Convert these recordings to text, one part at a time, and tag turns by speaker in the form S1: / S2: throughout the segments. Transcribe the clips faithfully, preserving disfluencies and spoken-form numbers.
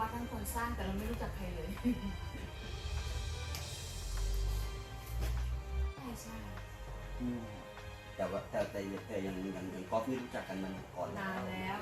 S1: วัดทั้งคนสร้างแต่เราไม่รู้จักใครเลยใช่ใช่
S2: แต่ว่าแต่แต่แต่ยังยังยังก๊อฟนี่รู้จักกันมันก่อน
S1: นานแล้ว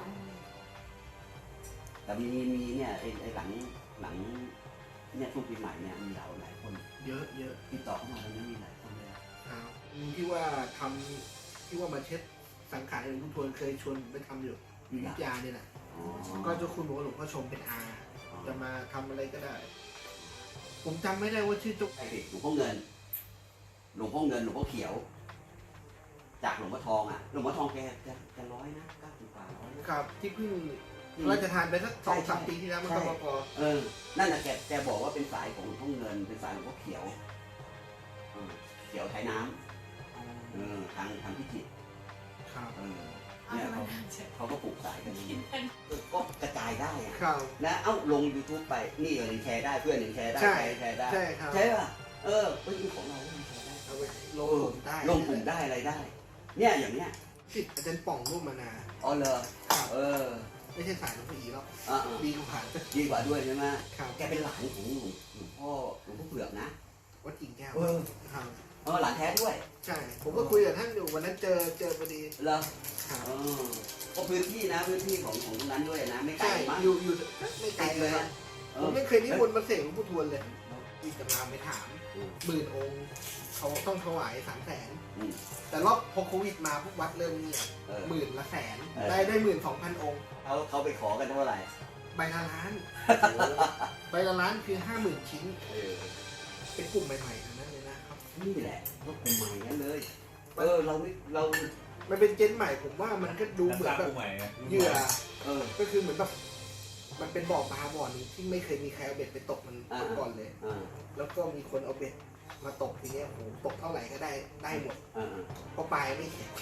S2: แต่มีมีเนี่ยไอ้ไอ้หลังหลังเนี่ยช่วงปีใหม่เนี่ยมีเหล่าหลายคน
S3: เยอะเยอะ
S2: ติดต่อเข้ามาตอนนี้มีหลายคนเลย
S3: ครับที่ว่าทำที่ว่ามาเช็ดสังขารหลวงพ่อทวนเคยชวนไปทำอยู่อยู่วิทยาเนี่ยแหละก็เจ้าคุณบอกว่าหลวงพ่อชมเป็นอาจะมาทำอะไรก็ได้ผมจำไม่ได้ว่าชื่อจุก
S2: ไอ้หลวงพ่อเงินหลวงพ่อเงินหลวงพ่อเขียวจากหลวงพ่อทองอ่ะหลวงพ่อทองแกจะจะร้อยนะเก้าสิบกว่าร้อย
S3: ครับที่เพิ่งเราจะทานไปสักสองสามปีที่แล้วมันก็พอ
S2: เออนั่นแหละแกแกบอกว่าเป็นสายของหลวงพ่อเงินเป็นสายหลวงพ่อเขียวเขียวไทยน้ำเออทางทางพิจิตร
S3: ครับ
S2: เออเนี่ยเขาเขาก็ปลูกสายกันกินก็กระจายได้อะนะเอ้าลง ยูทูบ ไปนี่ยังแชร์ได้เพื่อนยังแชร์ได้ใครแชร์ได้
S3: ใช่ครับ
S2: ใช่ป่ะเออเฮ้ยของเราแชร์ได้
S3: เอาไปลงกลุ่มได้
S2: ลงกลุ่มได้อะไรได้เนี่ยอย่างเนี้ย
S3: สิทธิ์อาจารย์ป่องรูปมานา
S2: อ๋อเลยเออ
S3: ไม่ใช่สายหลวงพ่ออีหรอก
S2: ดี
S3: กว่า
S2: ดีกว่าด้วยใช่ไหม
S3: ครับ
S2: แกเป็นหลานของหลวงพ่อหลวงพ่อเปลือกนะ
S3: วัดกิ่งแก้ว
S2: เออ
S3: ครับ
S2: เออหลานแท้ด้วย
S3: ใช่ผมก็คุยกับท่านอยู่วันนั้นเจอเจอพอดี
S2: เหรอเออก็พื้นที่นะพื้นที่ของของตรงนั้นด้วยนะไม่ไกลมาก
S3: อยู่อยู่ไม่ไกลเลยผมไม่เคยนิมนต์มาเสกหลวงพ่อทวนเลยมีตำราไปถามหมื่นองค์เขาต้องถวายสามแสนแต่รอบพอโควิดมาพวกวัดเริ่มเงียบหมื่นละแสนได้ได้หมื่นสองพันองค์
S2: เขาเขาไปขอกันเท่าไหร่
S3: ใบละล้านใบละล้านคือห้าหมื่นชิ้นเป็นกลุ่มใหม่ๆทั้งนั้นเลยนะครับ
S2: นี่แหละก็กลุ่มใหม่นั้นเลยเออเราไม่เรา
S3: มันเป็นเจนใหม่ผมว่ามันก็ดูเหมือนแบบเหยื่อเออก็คือเหมือนแบบมันเป็นบ่อปลาบ่อนึงที่ไม่เคยมีใครเอาเบ็ดไปตกมันก่อนเลยแล้วก็มีคนเอาเบ็ดมาตกทีนี้โอ้โหตกเท่าไหร่ก็ได้ได้หมดเพราะปลายไม่แข็ง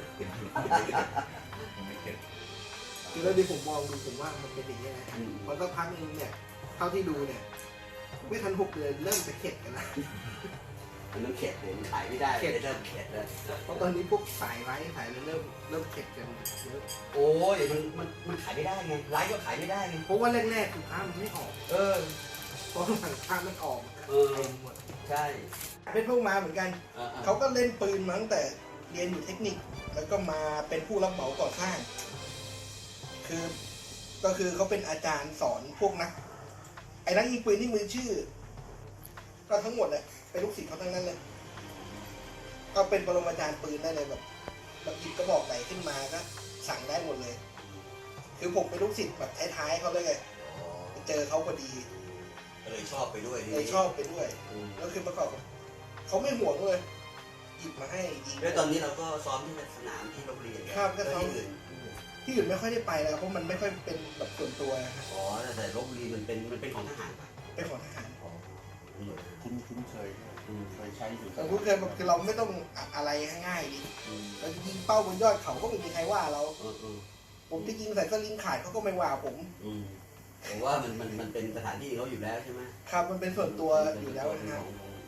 S3: คือแล้วที่ผมมองดูผมว่ามันเป็นอย่างนี้นะพอสักพักนึงเนี่ยเท่าที่ดูเนี่ยไม่ทันหกเดือนเริ่มจะเข็ดกันแล้ว
S2: มันเริ่มเข็ดเลยขายไม่ได้เริ่มเข็ดเลย
S3: เพราะตอนนี้พวกสายไร้สายเริ่มเริ่มเข็ดกันเยอะ
S2: โอ้ยมันมันมันขายไม่ได้ไงไร้ก็ขายไม่ได้ไง
S3: เพราะว่าแรกๆคือค้ามันไม่ออก
S2: เออ
S3: เพราะหลังค้ามันออก
S2: เออใช่
S3: เป็นพวกมาเหมือนกันเขาก็เล่นปืนมาตั้งแต่เรียนอยู่เทคนิคแล้วก็มาเป็นผู้รับเหมาก่อสร้างคือก็คือเขาเป็นอาจารย์สอนพวกนักไอ้นักยิงปืนที่มือชื่อก็ทั้งหมดเลยเป็นลูกศิษย์เขาทั้งนั้นเลยก็เป็นปรมาจารย์ปืนได้เลยแบบแบบหยิบกระบอกไหนขึ้นมาก็สั่งได้หมดเลยคือผมเป็นลูกศิษย์แบบท้ายๆเขาเลยไงเจอเขาพอดี
S2: เลยชอบไปด้วย
S3: เลยชอบไปด้วยแล้วคือประกอบเขาไม่ห่วงเลยหยิบมาให้ยิง
S2: แล้วตอนนี้เราก็ซ้อมที่สนามที่โรงเรียน
S3: ครับก็ซ้อมที่อื่นไม่ค่อยได้ไปแล้วเพราะมันไม่ค่อยเป็นแบบส่วนตัวนะครับ
S2: อ๋อแต่โรงเรียนมันเป็นมันเป็นของทหารป่ะ
S3: เป็นของทหาร
S2: คุ้นคุ้นเคยเคยใช้อยู่
S3: แต่คุ้นเคยแบบคือเราไม่ต้องอะไรง่ายๆดิเรายิงเป้าบนยอดเขาก็ไม่มีใครว่าเราผมจะยิงใส่สลิงขาดเขาก็ไม่ว่าผม
S2: ผมว่ามันมันมันเป็นสถานที่เขาอยู่แล้วใช่ไหม
S3: ครับมันเป็นส่วนตัวอยู่แล้วนะครับ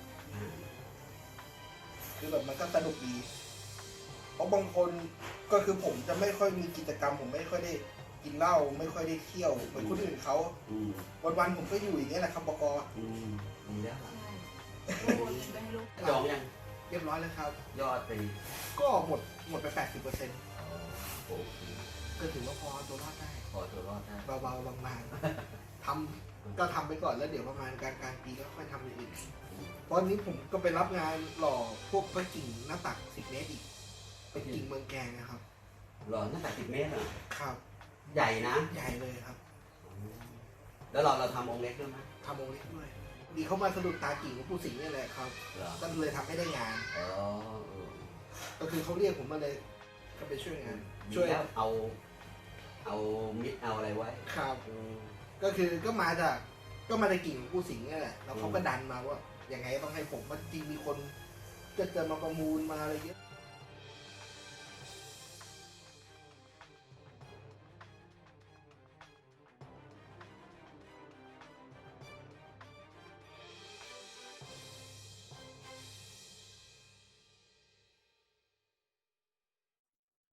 S3: คือแบบมันก็สนุกดีเพราะบางคนก็คือผมจะไม่ค่อยมีกิจกรรมผมไม่ค่อยได้กินเหล้าไม่ค่อยได้เที่ยวเหมือนคนอื่นเขาวันๆผมก็อยู่อย่างนี้แหละครับบก
S2: ดีแล้ว
S3: จองยังเรียบร้อยแล้วครับ
S2: ยอดไป
S3: ก็หมดหมดไปแปดสิบเปอร์เซ็นต์ก็ถือว่าพอตัวรอดได้
S2: พอตัวรอดได้
S3: เบาๆบางๆทำก็ทำไปก่อนแล้วเดี๋ยวประมาณกลางกลางปีก็ค่อยทำอย่างอื่นตอนนี้ผมก็ไปรับงานหล่อพวกพระกิ่งหน้าตักสิบเมตรอีกเป็นกิ่งเมืองแกงนะครับ
S2: หล่อหน้าตักสิบเมตรอ่ะ
S3: ครับ
S2: ใหญ่นะ
S3: ใหญ่เลยครับ
S2: แล้วเราเราทำองค์เล็กด้วยไหม
S3: ทำองค์เล็กด้วยดีเขามาสะดุดตากิ่งของผู้สิงห์นี่แหละครับก็เลยทำให้ได้งานก็คือเขาเรียกผมมาเลยก็ไปช่วยงาน
S2: ช่วยเอาเอามิดเอาอะไรไว้
S3: ครับก็คือก็มาจากก็มาจากกิ่งของผู้สิงห์นี่แหละแล้วเขาก็ดันมาว่าอย่างไงต้องให้ผมมันจริงมีคนจะจะมาประมูลมาอะไรเงี้ย